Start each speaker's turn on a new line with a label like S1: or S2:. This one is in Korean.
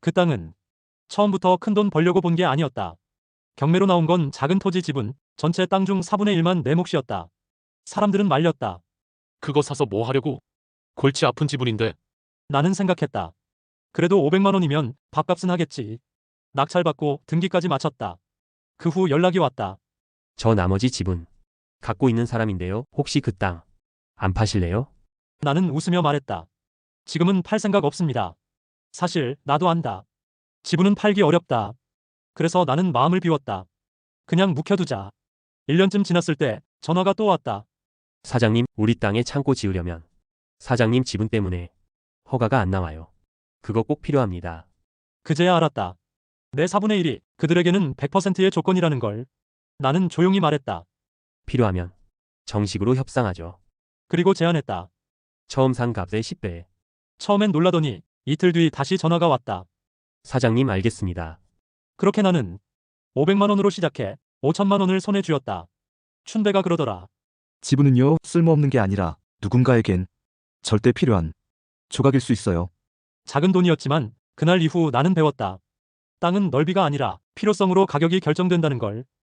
S1: 그 땅은 처음부터 큰돈 벌려고 본 게 아니었다. 경매로 나온 건 작은 토지 지분, 전체 땅 중 4분의 1만 내 몫이었다. 사람들은 말렸다.
S2: 그거 사서 뭐 하려고? 골치 아픈 지분인데.
S1: 나는 생각했다. 그래도 500만 원이면 밥값은 하겠지. 낙찰받고 등기까지 마쳤다. 그 후 연락이 왔다.
S3: 저 나머지 지분 갖고 있는 사람인데요. 혹시 그 땅 안 파실래요?
S1: 나는 웃으며 말했다. 지금은 팔 생각 없습니다. 사실 나도 안다. 지분은 팔기 어렵다. 그래서 나는 마음을 비웠다. 그냥 묵혀두자. 1년쯤 지났을 때 전화가 또 왔다.
S3: 사장님, 우리 땅에 창고 지으려면 사장님 지분 때문에 허가가 안 나와요. 그거 꼭 필요합니다.
S1: 그제야 알았다. 내 4분의 1이 그들에게는 100%의 조건이라는 걸. 나는 조용히 말했다.
S3: 필요하면 정식으로 협상하죠.
S1: 그리고 제안했다.
S3: 처음 산 값의 10배.
S1: 처음엔 놀라더니 이틀 뒤 다시 전화가 왔다.
S3: 사장님 알겠습니다.
S1: 그렇게 나는 500만 원으로 시작해 5천만 원을 손에 쥐었다. 춘배가 그러더라.
S4: 지분은요, 쓸모없는 게 아니라 누군가에겐 절대 필요한 조각일 수 있어요.
S1: 작은 돈이었지만 그날 이후 나는 배웠다. 땅은 넓이가 아니라 필요성으로 가격이 결정된다는 걸.